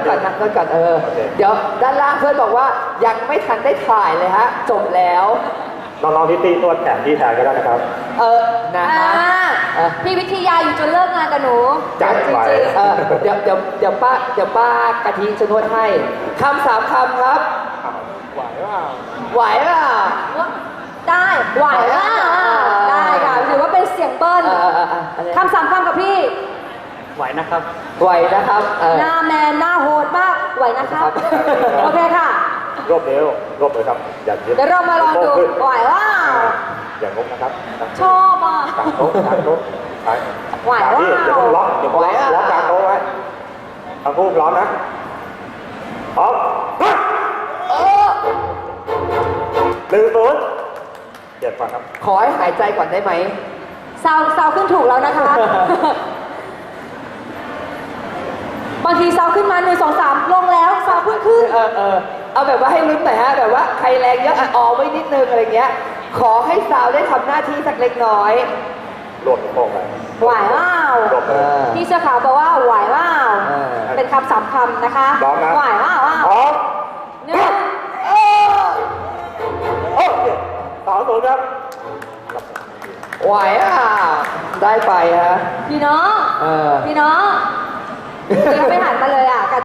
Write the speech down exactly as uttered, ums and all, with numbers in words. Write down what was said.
ก่อนนั่งก่อนเออเดี๋ยวด้านล่างเพื่อนบอกว่ายังไม่ทันได้ถ่ายเลยฮะจบแล้วน้องๆที่ตีนวดแขนที่แทนก็ได้นะครับเออนะฮะพี่วิทยาอยู่จนเลิกงานกับหนูจัดไปเออเดี๋ยวเดี๋ยวเดี๋ยวป้าเดี๋ยวป้ากะทิจะนวดให้คำสามคำครับไหวว่าไหวเปล่าได้ไหวว่าได้ค่ะถือว่าเป็นเสียงเบิ้ลคำสามคำกับพี่ไหวนะครับไหวนะครับหน้าแมนหน้าโหดมากไหวนะครับโอเคค่ะรวบเร็วรวบเลยครับอย่าเดี๋ยวเรามาลองดูไหวว่าอย่างงกนะครับชอบอ่ะกางโต๊ะกางโต๊ะไหวว่าเดี๋ยวล็อกเดี๋ยวล็อกล็อกกางโต๊ะไว้ทั้งคู่พร้อมนะพร้อมหนึ่งศูนย์เจ็ดฟังครับขอให้หายใจก่อนได้ไหมซาวซาวขึ้นถูกแล้วนะคะบางทีซาวขึ้นมาหนึ่งสองสามลงแล้วซาวขึ้นขึ้นเออเออเอาแบบว่าให้ลุ้นหน่อยฮะแบบว่าใครแรงเยอะออไว้นิดนึงอะไรเงี้ยขอให้ซาวได้ทำหน้าที่สักเล็กน้อยโหลดโป่งเลยไหวว้าวพี่เสื้อขาวบอกว่าไหวว้าวเป็นคำสามคำนะคะไหวว้าวว้าวหนึ่งโอเคสองศูนย์ครับไหวอ่ะได้ไปฮะพี่น้องพี่น้องยังไม่หันมาเลย